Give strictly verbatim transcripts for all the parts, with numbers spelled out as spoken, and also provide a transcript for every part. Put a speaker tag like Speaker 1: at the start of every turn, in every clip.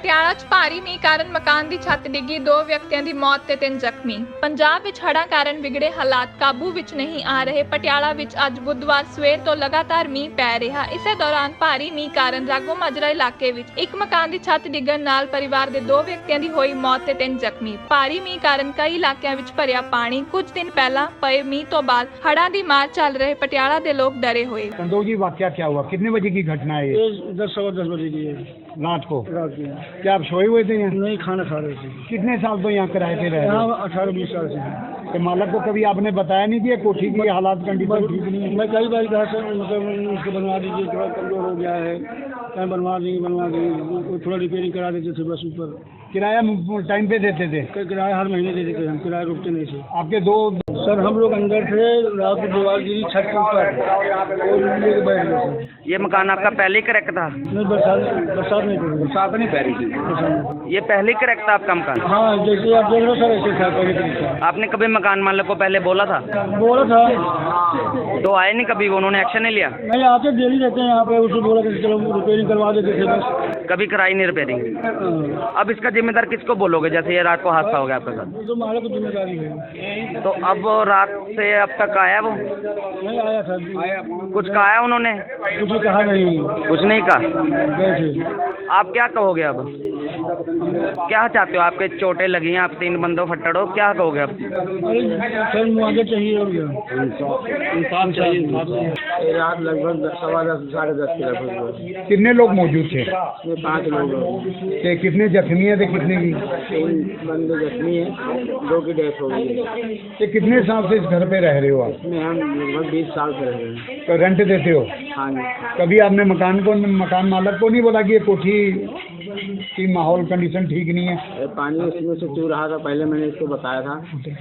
Speaker 1: ਪਟਿਆਲਾ 'ਚ ਭਾਰੀ ਮੀਂਹ ਕਾਰਨ ਮਕਾਨ ਦੀ ਛੱਤ ਡਿੱਗੀ, ਦੋ ਵਿਅਕਤੀਆਂ ਦੀ ਮੌਤ ਤੇ ਤਿੰਨ ਜ਼ਖਮੀ। ਪੰਜਾਬ ਵਿੱਚ ਹੜ੍ਹਾਂ ਕਾਰਨ ਵਿਗੜੇ ਹਾਲਾਤ ਕਾਬੂ ਵਿੱਚ ਨਹੀਂ ਆ ਰਹੇ। ਪਟਿਆਲਾ ਵਿੱਚ ਅੱਜ ਬੁੱਧਵਾਰ ਸਵੇਰ ਤੋਂ ਲਗਾਤਾਰ ਮੀਂਹ ਪੈ ਰਿਹਾ। ਇਸੇ ਦੌਰਾਨ ਭਾਰੀ ਮੀਂਹ ਕਾਰਨ ਰਾਗੋ ਮਾਜਰਾ ਇਲਾਕੇ ਵਿੱਚ ਇੱਕ ਮਕਾਨ ਦੀ ਛੱਤ ਡਿੱਗਣ ਨਾਲ ਪਰਿਵਾਰ ਦੇ ਦੋ ਵਿਅਕਤੀਆਂ ਦੀ ਹੋਈ ਮੌਤ ਤੇ ਤਿੰਨ ਜ਼ਖਮੀ। ਭਾਰੀ ਮੀਂਹ ਕਾਰਨ ਕਈ ਇਲਾਕਿਆਂ ਵਿੱਚ ਭਰਿਆ ਪਾਣੀ। ਕੁਝ ਦਿਨ ਪਹਿਲਾਂ ਪਏ ਮੀਂਹ ਤੋਂ ਬਾਅਦ ਹੜ੍ਹਾਂ ਦੀ ਮਾਰ ਚੱਲ ਰਹੇ ਪਟਿਆਲਾ ਦੇ ਲੋਕ डरे हुए।
Speaker 2: संतोष जी, वाकया क्या हुआ? कितने बजे की घटना है?
Speaker 3: ये दस सवा दस बजे की है
Speaker 2: रात को।
Speaker 3: रात की।
Speaker 2: क्या आप सोए हुए थे यहाँ?
Speaker 3: नहीं, खाना खा रहे थे।
Speaker 2: कितने साल तो यहाँ किराए पे रहे?
Speaker 3: यहाँ अठारह बीस साल से हैं।
Speaker 2: तो मालक को कभी आपने बताया नहीं कि ये कोठी की हालात कंडीशन ठीक नहीं है?
Speaker 3: मैं कई बार कहा सर, मतलब उसको बनवा दीजिए, थोड़ा कमजोर हो गया है, कहीं बनवा देंगे बनवा देंगे थोड़ा रिपेयरिंग करा देते थे बस ऊपर।
Speaker 2: किराया टाइम पे देते थे?
Speaker 3: किराया हर महीने देते थे हम, किराया रुकते नहीं थे।
Speaker 2: आपके दो
Speaker 3: सर हम लोग अंदर थे, रात को दीवार गिरी छत के ऊपर और लेके बैठ गए थे।
Speaker 4: ये मकान आपका पहले ही क्रैक था?
Speaker 3: नहीं, बरसात बरसात नहीं पड़ी,
Speaker 2: बरसात नहीं पै रही थी।
Speaker 4: ये पहले ही क्रैक था आपका मकान?
Speaker 3: हाँ, जैसे आप देख रहे हो सर, ऐसे था पहले तरीका।
Speaker 4: आपने कभी मकान मालिक को पहले बोला था?
Speaker 3: बोला था
Speaker 4: तो आए नहीं कभी, उन्होंने एक्शन नहीं लिया?
Speaker 3: नहीं, आते डेली रहते हैं यहाँ पे, उसको बोला कि चलो रिपेयरिंग करवा देते थे बस।
Speaker 4: कभी कराई नहीं रिपेयरिंग? अब इसका जिम्मेदार किसको बोलोगे, जैसे ये रात को हादसा हो गया आपके साथ?
Speaker 3: तो मालिक को जिम्मेदारी है।
Speaker 4: तो अब रात से अब तक आया वो?
Speaker 3: नहीं आया था,
Speaker 4: कुछ कहा उन्होंने?
Speaker 3: कुछ कहा नहीं,
Speaker 4: कुछ नहीं कहा?
Speaker 3: गए थे।
Speaker 4: आप क्या कहोगे अब? क्या चाहते हो? आपके चोटें लगी हैं, आप तीन बंदों फट्टड़ हो, क्या कहोगे अब?
Speaker 3: अरे सर, मुआवजा चाहिए हो गया, इंसाफ चाहिए। रात लगभग सवा दस साढ़े दस के लगभग।
Speaker 2: कितने लोग मौजूद थे?
Speaker 3: ये पाँच लोग हैं।
Speaker 2: ते कितने जख्मी है? थे कितने की?
Speaker 3: तीन बंदे जख्मी हैं, दो की डेथ हो गई है।
Speaker 2: ते कितने साल से इस घर पे रह रहे हो आप?
Speaker 3: इसमें हम लगभग बीस साल से रह रहे हैं।
Speaker 2: तो रेंट देते हो?
Speaker 3: हाँ जी।
Speaker 2: कभी आपने मकान को मकान मालक को नहीं बोला कि ये कोठी की माहौल कंडीशन ठीक नहीं है?
Speaker 3: ये पानी इसमें से चू रहा था, पहले मैंने इसको बताया था,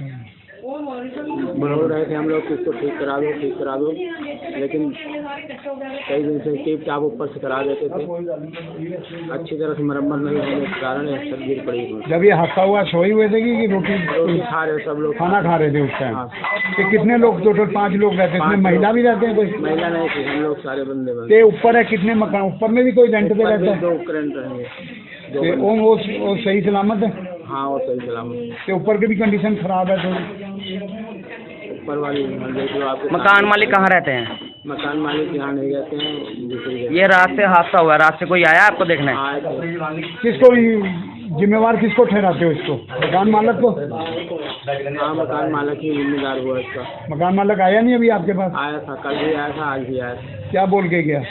Speaker 3: बोल रहे थे हम लोग कि इसको ठीक करा दो ठीक करा दो, लेकिन कई दिन से टीप टाप ऊपर से करा देते थे, अच्छी तरह से मरम्मत नहीं होने के कारण ये सब गिर पड़ी।
Speaker 2: जब ये हादसा हुआ सोए हुए थे कि रोटी
Speaker 3: रोटी खा रहे सब लोग,
Speaker 2: खाना खा रहे थे उस टाइम?
Speaker 3: हाँ।
Speaker 2: तो कितने लोग? टोटल पाँच लोग रहते हैं, इसमें महिला भी रहते हैं? कोई
Speaker 3: महिला नहीं थी, हम लोग सारे बंदे बंद।
Speaker 2: ते ऊपर है कितने मकान? ऊपर में भी कोई रेंट पे रहता है?
Speaker 3: दो करंट रहेंगे।
Speaker 2: ते वो वो वो सही सलामत है?
Speaker 3: हाँ, वो सही सलामत।
Speaker 2: ते ऊपर की भी कंडीशन खराब है थोड़ी?
Speaker 3: ऊपर वाली देख लो आपके।
Speaker 4: मकान मालिक कहाँ रहते हैं?
Speaker 3: मकान मालिक यहाँ नहीं रहते हैं, दूसरी जगह।
Speaker 4: ये रात से हादसा हुआ, रात से कोई आया आपको देखने?
Speaker 3: आए थे।
Speaker 2: किसको जिम्मेवार किसको ठहराते हो इसको? मकान मालक को?
Speaker 3: हाँ, मकान मालिक ही जिम्मेदार हुआ इसका।
Speaker 2: मकान मालक आया नहीं अभी आपके पास?
Speaker 3: आया था, कल भी आया था, आज भी आया था।
Speaker 2: क्या बोल के गया?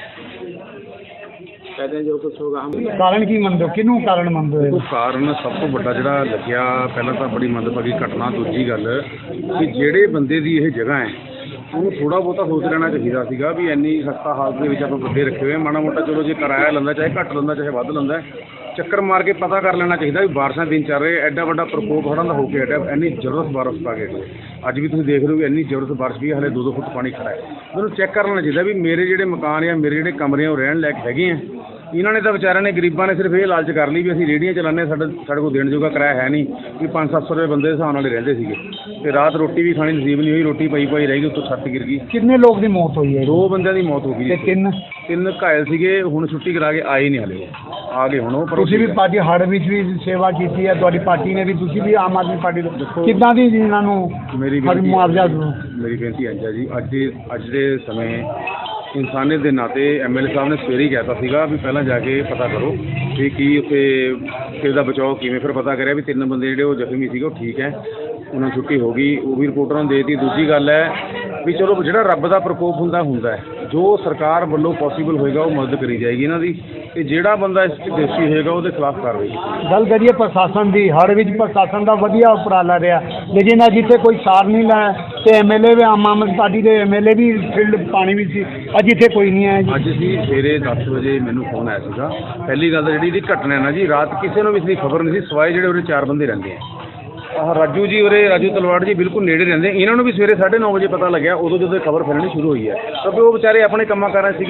Speaker 3: कहते हैं जो कुछ होगा हम।
Speaker 2: ਕਾਰਨ ਕੀ ਮੰਨਦੇ ਹੋ? ਕਿਹਨੂੰ ਕਾਰਨ ਮੰਨਦੇ ਹੋ?
Speaker 5: ਦੇਖੋ, ਕਾਰਨ ਸਭ ਤੋਂ ਵੱਡਾ ਜਿਹੜਾ ਲੱਗਿਆ, ਪਹਿਲਾਂ ਤਾਂ ਬੜੀ ਮੰਦਭਾਗੀ ਘਟਨਾ। ਦੂਜੀ ਗੱਲ ਕਿ ਜਿਹੜੇ ਬੰਦੇ ਦੀ ਇਹ ਜਗ੍ਹਾ ਹੈ ਉਹਨੂੰ ਥੋੜਾ ਬਹੁਤਾ ਸੋਚ ਲੈਣਾ ਚਾਹੀਦਾ ਸੀਗਾ ਵੀ ਇੰਨੀ ਖਸਤਾ ਹਾਲਤ ਦੇ ਵਿੱਚ ਆਪਾਂ ਬੰਦੇ ਰੱਖੇ ਹੋਏ, ਮਾੜਾ ਮੋਟਾ ਚਲੋ ਜੇ ਕਿਰਾਇਆ ਲੈਂਦਾ, ਚਾਹੇ ਘੱਟ ਲੈਂਦਾ ਚਾਹੇ ਵੱਧ ਲੈਂਦਾ, ਚੱਕਰ ਮਾਰ ਕੇ ਪਤਾ ਕਰ ਲੈਣਾ ਚਾਹੀਦਾ ਵੀ ਬਾਰਿਸ਼ਾਂ ਦਿਨ ਚੱਲ ਰਹੇ, ਐਡਾ ਵੱਡਾ ਪ੍ਰਕੋਪ ਹੜ੍ਹਾਂ ਦਾ ਹੋ ਕੇ ਹਟਿਆ, ਇੰਨੀ ਜ਼ਬਰਦਸਤ ਬਾਰਿਸ਼ ਪਾ ਕੇ ਅੱਜ ਵੀ ਤੁਸੀਂ ਦੇਖ ਰਹੇ ਹੋ ਵੀ ਇੰਨੀ ਜ਼ਬਰਦਸਤ ਬਾਰਿਸ਼ ਵੀ ਹਲੇ ਦੋ ਦੋ ਫੁੱਟ ਪਾਣੀ ਖੜਾ ਹੈ। ਮੈਨੂੰ ਚੈੱਕ ਕਰ ਲੈਣਾ ਚਾਹੀਦਾ ਵੀ ਮੇਰੇ ਜਿਹੜੇ ਮਕਾਨ ਆ, ਮੇਰੇ ਜਿਹੜੇ ਕਮਰੇ ਆ, ਉਹ ਰਹਿਣ ਲਾਇਕ ਹੈਗੇ ਆ। ਇਹਨਾਂ ਨੇ ਤਾਂ ਵਿਚਾਰਿਆਂ ਨੇ, ਗਰੀਬਾਂ ਨੇ ਸਿਰਫ ਇਹ ਲਾਲਚ ਕਰ ਲਈ ਵੀ ਅਸੀਂ ਰੇਹੜੀਆਂ ਚਲਾਉਂਦੇ, ਸਾਡੇ ਸਾਡੇ ਕੋਲ ਦੇਣ ਜੋਗਾ ਕਿਰਾਇਆ ਹੈ ਨਹੀਂ, ਵੀ ਪੰਜ ਸੱਤ ਸੌ ਰੁਪਏ ਬੰਦੇ ਦੇ ਹਿਸਾਬ ਨਾਲ ਹੀ ਰਹਿੰਦੇ ਸੀਗੇ, ਤੇ ਰਾਤ ਰੋਟੀ ਵੀ ਖਾਣੀ ਨਸੀਬ ਨਹੀਂ ਹੋਈ, ਰੋਟੀ ਪਈ ਪਈ ਰਹਿ ਗਈ, ਉੱਤੋਂ ਛੱਤ ਗਿਰ ਗਈ।
Speaker 2: ਕਿੰਨੇ ਲੋਕ ਦੀ ਮੌਤ ਹੋਈ ਹੈ?
Speaker 5: ਦੋ ਬੰਦਿਆਂ ਦੀ ਮੌਤ ਹੋ ਗਈ
Speaker 2: ਤੇ ਤਿੰਨ
Speaker 5: ਤਿੰਨ ਘਾਇਲ ਸੀਗੇ, ਹੁਣ ਛੁੱਟੀ ਕਰਾ ਕੇ ਆਏ ਨਹੀਂ ਹਲੇ, ਆ ਗਏ ਹੁਣ ਉਹ। ਪਰ
Speaker 2: ਤੁਸੀਂ ਵੀ ਪਾਰਟੀ ਹੜ੍ਹ ਵਿੱਚ ਵੀ ਸੇਵਾ ਕੀਤੀ ਹੈ, ਤੁਹਾਡੀ ਪਾਰਟੀ ਨੇ ਵੀ, ਤੁਸੀਂ ਵੀ ਆਮ ਆਦਮੀ ਪਾਰਟੀ ਤੋਂ ਕਿੱਦਾਂ ਦੀ ਇਹਨਾਂ ਨੂੰ
Speaker 5: ਮੇਰੀ
Speaker 2: ਹਰ ਮੁਆਵਜ਼ਾ ਦਿਓ?
Speaker 5: ਮੇਰੀ ਬੇਨਤੀ ਹੈ ਜੀ, ਅੱਜ ਦੇ ਅੱਜ ਦੇ ਸਮੇਂ ਇਨਸਾਨੀਅਤ ਦੇ ਨਾਤੇ ਐਮ ਐਲ ਏ ਸਾਹਿਬ ਨੇ ਸਵੇਰੇ ਹੀ ਕਹਿਤਾ ਸੀਗਾ ਵੀ ਪਹਿਲਾਂ ਜਾ ਕੇ ਪਤਾ ਕਰੋ ਵੀ ਕੀ ਉੱਥੇ ਕਿਸੇ ਦਾ ਬਚਾਓ ਕਿਵੇਂ। ਫਿਰ ਪਤਾ ਕਰਿਆ ਵੀ ਤਿੰਨ ਬੰਦੇ ਜਿਹੜੇ ਉਹ ਜ਼ਖਮੀ ਸੀਗੇ ਉਹ ਠੀਕ ਹੈ, ਉਹਨਾਂ ਨੂੰ ਛੁੱਟੀ ਹੋ ਗਈ, ਉਹ ਵੀ ਰਿਪੋਰਟਰਾਂ ਨੂੰ ਦੇ ਦਿੱਤੀ। ਦੂਜੀ ਗੱਲ ਹੈ ਵੀ ਚਲੋ ਜਿਹੜਾ ਰੱਬ ਦਾ ਪ੍ਰਕੋਪ ਹੁੰਦਾ ਹੁੰਦਾ ਹੈ, ਜੋ ਸਰਕਾਰ ਵੱਲੋਂ ਪੋਸੀਬਲ ਹੋਏਗਾ ਉਹ ਮਦਦ ਕਰੀ ਜਾਏਗੀ ਇਹਨਾਂ ਦੀ, ਤੇ ਜਿਹੜਾ ਬੰਦਾ ਇਸ 'ਚ ਦੋਸ਼ੀ ਹੋਏਗਾ ਉਹਦੇ ਖਿਲਾਫ ਕਾਰਵਾਈ ਕੀਤੀ।
Speaker 2: ਗੱਲ ਕਰੀਏ ਪ੍ਰਸ਼ਾਸਨ ਦੀ, ਹੜ੍ਹ ਵਿੱਚ ਪ੍ਰਸ਼ਾਸਨ ਦਾ ਵਧੀਆ ਉਪਰਾਲਾ ਰਿਹਾ, ਲੇਕਿਨ ਅੱਜ ਇੱਥੇ ਕੋਈ ਸਾਰ ਨਹੀਂ ਲਾਇਆ, ਤੇ ਐਮ ਐਲ ਏ ਵੀ, ਆਮ ਆਦਮੀ ਪਾਰਟੀ ਦੇ ਐਮ ਐਲ ਏ ਵੀ ਫੀਲਡ ਪਾਣੀ ਵਿੱਚ ਸੀ, ਅੱਜ ਇੱਥੇ ਕੋਈ ਨਹੀਂ ਆਇਆ ਜੀ।
Speaker 5: ਅੱਜ ਅਸੀਂ ਸਵੇਰੇ ਦਸ ਵਜੇ ਮੈਨੂੰ ਫੋਨ ਆਇਆ ਸੀਗਾ। ਪਹਿਲੀ ਗੱਲ ਤਾਂ ਜਿਹੜੀ ਇਹਦੀ ਘਟਨਾ ਨਾ ਜੀ, ਰਾਤ ਕਿਸੇ ਨੂੰ ਵੀ ਇਸਦੀ ਖਬਰ ਨਹੀਂ ਸੀ, ਸਿਵਾਏ ਜਿਹੜੇ ਉਰੇ ਚਾਰ ਬੰਦੇ ਰਹਿੰਦੇ ਆ। ਆਹ ਰਾਜੂ ਜੀ ਉਰੇ, ਰਾਜੂ ਤਲਵਾੜ ਜੀ ਬਿਲਕੁਲ ਨੇੜੇ ਰਹਿੰਦੇ, ਇਹਨਾਂ ਨੂੰ ਵੀ ਸਵੇਰੇ ਸਾਢੇ ਨੌ ਵਜੇ ਪਤਾ ਲੱਗਿਆ, ਉਦੋਂ ਜਦੋਂ ਖਬਰ ਫੈਲਣੀ ਸ਼ੁਰੂ ਹੋਈ ਹੈ, ਕਿਉਂਕਿ ਉਹ ਵਿਚਾਰੇ ਆਪਣੇ ਕੰਮਾਂ ਕਾਰਾਂ ਸੀਗੇ।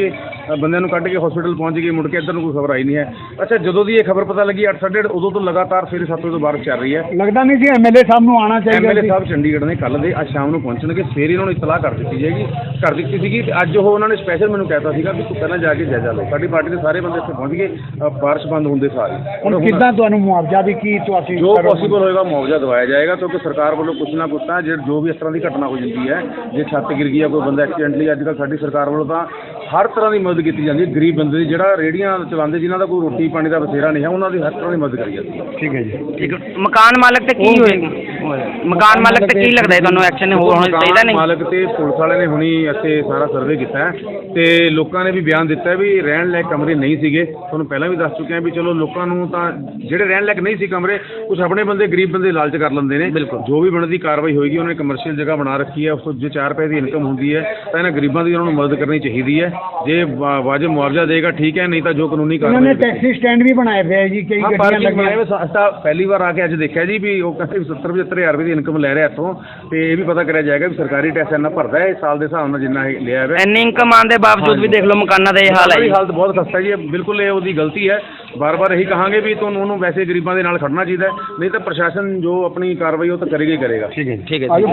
Speaker 5: ਅ, ਬੰਦਿਆਂ ਨੂੰ ਕੱਢ ਕੇ ਹਸਪੀਟਲ ਪਹੁੰਚ ਗਏ, ਮੁੜ ਕੇ ਇੱਧਰ ਨੂੰ ਕੋਈ ਖਬਰ ਆਈ ਨਹੀਂ ਹੈ। ਅੱਛਾ, ਜਦੋਂ ਦੀ ਇਹ ਖਬਰ ਪਤਾ ਲੱਗੀ ਅੱਠ ਸਾਢੇ ਅੱਠ, ਉਦੋਂ ਤੋਂ ਲਗਾਤਾਰ ਸਵੇਰੇ ਸੱਤ ਵਜੇ ਤੋਂ ਬਾਰਿਸ਼ ਚੱਲ ਰਹੀ ਹੈ।
Speaker 2: ਲੱਗਦਾ ਨਹੀਂ ਸੀ ਐਮਐਲਏ ਸਾਹਿਬ ਨੂੰ ਆਉਣਾ ਚਾਹੀਦਾ
Speaker 5: ਐਮਐਲਏ
Speaker 2: ਸੀ।
Speaker 5: ਸਾਹਿਬ ਚੰਡੀਗੜ੍ਹ ਨੇ ਕੱਲ੍ਹ ਦੇ ਅੱਜ ਸ਼ਾਮ ਨੂੰ ਪਹੁੰਚਣਗੇ। ਸਵੇਰੇ ਇਹਨਾਂ ਨੂੰ ਇਤਲਾਹ ਕਰ ਦਿੱਤੀ ਜਾਏਗੀ, ਕਰ ਦਿੱਤੀ ਸੀਗੀ ਤੇ ਅੱਜ ਉਹ ਉਹਨਾਂ ਨੇ ਸਪੈਸ਼ਲ ਮੈਨੂੰ ਕਹਿਤਾ ਸੀਗਾ ਵੀ ਤੂੰ ਪਹਿਲਾਂ ਜਾ ਕੇ ਜਾਇਜ਼ਾ ਲਓ। ਸਾਡੀ ਪਾਰਟੀ ਦੇ ਸਾਰੇ ਬੰਦੇ ਇੱਥੇ ਪਹੁੰਚ ਗਏ, ਅ, ਬਾਰਿਸ਼ ਬੰਦ ਹੁੰਦੇ ਸਾਰੇ।
Speaker 2: ਹੁਣ ਕਿੱਦਾਂ ਤੁਹਾਨੂੰ ਮੁਆਵਜ਼ਾ ਦੀ ਕੀ ਤੁਸੀਂ
Speaker 5: ਜੋ
Speaker 2: ਕਰੋਗੇ?
Speaker 5: ਪੋਸੀਬਲ ਹੋਏਗਾ ਮੁਆਵਜ਼ਾ ਦਵਾਇਆ ਜਾਏਗਾ, ਕਿਉਂਕਿ ਸਰਕਾਰ ਵੱਲੋਂ ਕੁਛ ਨਾ ਕੁਛ ਤਾਂ ਜੇ ਜੋ ਵੀ ਇਸ ਤਰ੍ਹਾਂ ਦੀ ਘਟਨਾ ਹੋ ਜਾਂਦੀ ਹੈ, ਜੇ ਛੱਤ ਗਿਰ ਗਈ ਹੈ, ਕੋਈ ਬੰਦਾ ਐਕਸੀਡੈਂਟਲੀ, ਅੱਜ ਕੱਲ੍ਹ ਸਾਡੀ ਸਰਕਾਰ ਵੱਲੋਂ ਤਾਂ ਹਰ ਤਰ੍ਹਾਂ ਦੀ ਮਦਦ ਕੀਤੀ ਜਾਂਦੀ ਹੈ। ਗਰੀਬ ਬੰਦੇ ਦੀ, ਜਿਹੜਾ ਰੇਹੜੀਆਂ ਚਲਾਉਂਦੇ, ਜਿਨ੍ਹਾਂ ਦਾ ਕੋਈ ਰੋਟੀ ਪਾਣੀ ਦਾ ਬਸੇਰਾ ਨਹੀਂ ਹੈ, ਉਹਨਾਂ ਦੀ ਹਰ ਤਰ੍ਹਾਂ ਦੀ ਮਦਦ ਕਰੀ ਜਾਂਦੀ ਹੈ।
Speaker 2: ਠੀਕ ਹੈ ਜੀ।
Speaker 4: ਠੀਕ ਹੈ। ਮਕਾਨ ਮਾਲਕ ਤੇ ਕੀ ਹੋਏਗਾ? ਮਕਾਨ ਮਾਲਕ ਤੇ ਕੀ ਲੱਗਦਾ ਹੈ ਤੁਹਾਨੂੰ ਐਕਸ਼ਨ ਹੋਣਾ ਚਾਹੀਦਾ ਨਹੀਂ?
Speaker 5: ਮਾਲਕ ਤੇ ਪੁਲਿਸ ਵਾਲੇ ਨੇ ਹੁਣੀ ਇੱਥੇ ਸਾਰਾ ਸਰਵੇ ਕੀਤਾ ਹੈ ਤੇ ਲੋਕਾਂ ਨੇ ਵੀ ਬਿਆਨ ਦਿੱਤਾ ਹੈ ਵੀ ਰਹਿਣ ਲਾਇਕ ਕਮਰੇ ਨਹੀਂ ਸੀਗੇ। ਤੁਹਾਨੂੰ ਪਹਿਲਾਂ ਵੀ ਦੱਸ ਚੁੱਕੇ ਹਾਂ ਵੀ ਚਲੋ ਲੋਕਾਂ ਨੂੰ ਤਾਂ ਜਿਹੜੇ ਰਹਿਣ ਲਾਇਕ ਨਹੀਂ ਸੀ ਕਮਰੇ, ਕੁਛ ਆਪਣੇ ਬੰਦੇ ਗਰੀਬ ਬੰਦੇ ਲਾਲਚ ਕਰ ਲੈਂਦੇ ਨੇ। ਜੋ ਵੀ ਬਣਦੀ ਕਾਰਵਾਈ ਹੋਏਗੀ, ਉਹਨਾਂ ਨੇ ਕਮਰਸ਼ੀਅਲ ਜਗ੍ਹਾ ਬਣਾ ਰੱਖੀ ਹੈ, ਉਸ ਤੋਂ ਜੇ ਚਾਰ ਰੁਪਏ ਦੀ ਇਨਕਮ ਹੁੰਦੀ ਹੈ ਤਾਂ ਇਹਨਾਂ ਗਰੀਬਾਂ ਦੀ ਉਹਨਾਂ ਨੂੰ ਮਦਦ ਕਰਨੀ ਚਾਹੀਦੀ ਹੈ। ਜੇ ਵਾ- ਵਾਜਬ ਮੁਆਵਜ਼ਾ ਦੇਗਾ ਠੀਕ ਹੈ, ਨਹੀਂ ਤਾਂ ਜੋ ਕਾਨੂੰਨੀ
Speaker 2: ਉਹਨਾਂ ਨੇ
Speaker 5: ਕਾਰਵਾਈ।
Speaker 2: ਟੈਕਸੀ ਸਟੈਂਡ ਵੀ ਬਣਾਏ ਪਏ ਆ ਜੀ, ਕਈ
Speaker 5: ਹਾਂ,
Speaker 2: ਗੱਡੀਆਂ
Speaker 5: ਪਾਰਕਿੰਗ
Speaker 2: ਲੱਗੀਆਂ।
Speaker 5: ਬਣਾਏ ਹੋਏ ਸੰਸਥਾ ਪਹਿਲੀ ਵਾਰ ਆ ਕੇ ਅੱਜ ਦੇਖਿਆ ਜੀ ਵੀ ਉਹ ਕਹਿੰਦੇ ਵੀ ਸੱਤਰ ਪਝੱਤਰ ਹਜ਼ਾਰ ਰੁਪਏ ਦੀ ਇਨਕਮ ਲੈ ਰਿਹਾ ਇੱਥੋਂ, ਤੇ ਇਹ ਵੀ ਪਤਾ ਕਰਿਆ ਜਾਏਗਾ ਵੀ ਸਰਕਾਰੀ ਟੈਕਸ ਇੰਨਾ ਭਰਦਾ ਹੈ ਸਾਲ ਦੇ ਹਿਸਾਬ ਨਾਲ ਜਿੰਨਾ ਇਹ ਲਿਆ ਹੈ।
Speaker 4: ਇੰਨੀ ਇਨਕਮ ਆਉਣ ਦੇ ਬਾਵਜੂਦ ਵੀ ਦੇਖ ਲਓ ਮਕਾਨਾਂ ਦਾ ਇਹ ਹਾਲ ਹੈ
Speaker 5: ਇਹ
Speaker 4: ਜੀ।
Speaker 5: ਹਾਲਤ ਬਹੁਤ ਖਸਤਾ ਜੀ, ਬਿਲਕੁਲ ਇਹ ਉਹਦੀ ਗਲਤੀ ਹੈ। ਬਾਰ ਬਾਰ ਇਹੀ ਕਹਾਂਗੇ ਵੀ ਤੁਹਾਨੂੰ ਉਹਨੂੰ ਵੈਸੇ ਗਰੀਬਾਂ ਦੇ ਨਾਲ ਖੜਨਾ ਚਾਹੀਦਾ ਹੈ, ਨਹੀਂ ਤਾਂ ਪ੍ਰਸ਼ਾਸਨ ਜੋ ਆਪਣੀ ਕਾਰਵਾਈ ਉਹ ਤਾਂ ਕਰੇਗਾ ਹੀ ਕਰੇਗਾ।
Speaker 2: ठीक है
Speaker 4: ठीक है,
Speaker 2: आगे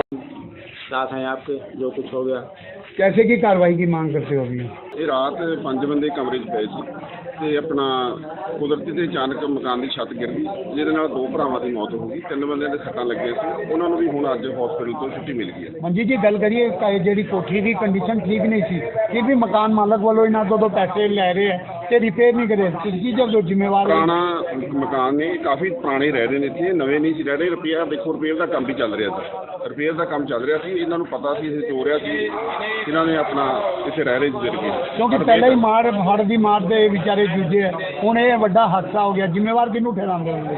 Speaker 3: साथ हैं आपके, जो कुछ हो गया।
Speaker 2: कैसे की कार्रवाई की मांग करते हो अभी?
Speaker 6: ਇਹ ਰਾਤ ਪੰਜ ਬੰਦੇ ਕਮਰੇ 'ਚ ਪਏ ਸੀ ਤੇ ਆਪਣਾ ਕੁਦਰਤੀ ਤੇ ਅਚਾਨਕ ਮਕਾਨ ਦੀ ਛੱਤ ਗਿਰ ਗਈ, ਜਿਹਦੇ ਨਾਲ ਦੋ ਭਰਾਵਾਂ ਦੀ ਮੌਤ ਹੋ ਗਈ। ਤਿੰਨ ਬੰਦਿਆਂ ਦੇ ਸੱਟਾਂ ਲੱਗੀਆਂ ਸੀ, ਉਹਨਾਂ ਨੂੰ ਵੀ ਹੁਣ ਅੱਜ ਹਸਪੀਟਲ ਤੋਂ ਛੁੱਟੀ ਮਿਲ ਗਈ ਹੈ।
Speaker 2: मंजी जी गल करिए क- ਜਿਹੜੀ ਕੋਠੀ ਦੀ ਕੰਡੀਸ਼ਨ ਠੀਕ ਨਹੀਂ ਸੀ, ਫਿਰ ਵੀ ਮਕਾਨ ਮਾਲਕ ਵੱਲੋਂ ਇਹਨਾਂ ਤੋਂ ਤੋਂ ਪੈਸੇ ਲੈ ਰਹੇ ਹੈ ਤੇ ਰਿਪੇਅਰ ਨਹੀਂ ਕਰੇ। ਤੁਸੀਂ ਜਦੋਂ ਜ਼ਿੰਮੇਵਾਰ ਹੋ।
Speaker 6: ਪੁਰਾਣਾ ਮਕਾਨ ਨੇ, ਕਾਫੀ ਪੁਰਾਣੇ ਰਹਿ ਰਹੇ ਨੇ ਇੱਥੇ, ਨਵੇਂ ਨਹੀਂ ਸੀ ਰਹਿ ਰਹੇ। ਰਿਪੇਅਰ ਦੇਖੋ, ਰਿਪੇਅਰ ਦਾ ਕੰਮ ਵੀ ਚੱਲ ਰਿਹਾ ਸੀ, ਰਿਪੇਅਰ ਦਾ ਕੰਮ ਚੱਲ ਰਿਹਾ ਸੀ। ਇਹਨਾਂ ਨੂੰ ਪਤਾ ਸੀ ਇਹ ਚੋਰਿਆ ਸੀ, ਇਹਨਾਂ ਨੇ ਆਪਣਾ ਇੱਥੇ ਰਹਿ ਰਹੇ ਸੀ ਗਿਰ ਕੇ।
Speaker 2: ਕਿਉਂਕਿ ਪਹਿਲਾਂ ਹੀ ਮਾਰ ਹੜ ਦੀ ਮਾਰ ਦੇ ਵਿਚਾਰੇ ਜੂਝੇ ਹੈ, ਹੁਣ ਇਹ ਵੱਡਾ ਹਾਦਸਾ ਹੋ ਗਿਆ। ਜ਼ਿੰਮੇਵਾਰ ਕਿਹਨੂੰ ਠਹਿਰਾਉਂਦੇ ਹੋ?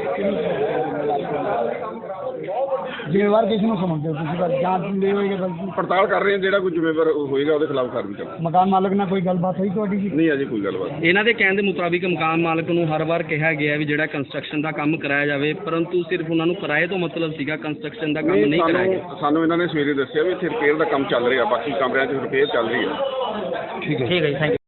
Speaker 2: ਜ਼ਿੰਮੇਵਾਰ ਕਿਸ ਨੂੰ ਸਮਝਦੇ ਹੋ ਤੁਸੀਂ? ਬਸ ਜਾਂਚ ਲੈ ਹੋਏਗਾ ਬਲਕਿ
Speaker 6: ਪੜਤਾਲ ਕਰ ਰਹੇ ਹਾਂ, ਜਿਹੜਾ ਕੋਈ ਜ਼ਿੰਮੇਵਾਰ ਹੋਏਗਾ ਉਹਦੇ ਖਿਲਾਫ ਕਾਰਵਾਈ ਕਰਾਂਗੇ।
Speaker 2: ਮਕਾਨ ਮਾਲਕ ਨਾਲ ਕੋਈ ਗੱਲਬਾਤ ਹੋਈ ਤੁਹਾਡੀ ਜੀ?
Speaker 6: ਨਹੀਂ, ਅਜੇ ਕੋਈ ਗੱਲਬਾਤ।
Speaker 7: ਇਹਨਾਂ ਦੇ ਕਹਿਣ ਦੇ ਮੁਤਾਬਿਕ ਮਕਾਨ ਮਾਲਕ ਨੂੰ ਹਰ ਵਾਰ ਕਿਹਾ ਗਿਆ ਵੀ ਜਿਹੜਾ ਕੰਸਟਰਕਸ਼ਨ ਦਾ ਕੰਮ ਕਰਾਇਆ ਜਾਵੇ, ਪਰੰਤੂ ਸਿਰਫ ਉਹਨਾਂ ਨੂੰ ਕਿਰਾਏ ਤੋਂ ਮਤਲਬ ਸੀਗਾ, ਕੰਸਟਰਕਸ਼ਨ ਦਾ ਕੰਮ ਨਹੀਂ ਕਰਾਇਆ ਗਿਆ।
Speaker 6: ਸਾਨੂੰ ਸਾਨੂੰ ਇਹਨਾਂ ਨੇ ਸਵੇਰੇ ਦੱਸਿਆ ਵੀ ਇੱਥੇ ਰਿਪੇਅਰ ਦਾ ਕੰਮ ਚੱਲ ਰਿਹਾ, ਬਾਕੀ ਕਮਰਿਆਂ 'ਚ ਰਿਪੇਅਰ ਚੱਲ ਰਹੀ ਹੈ।
Speaker 4: ਠੀਕ ਹੈ ਜੀ, ਥੈਂਕ ਯੂ।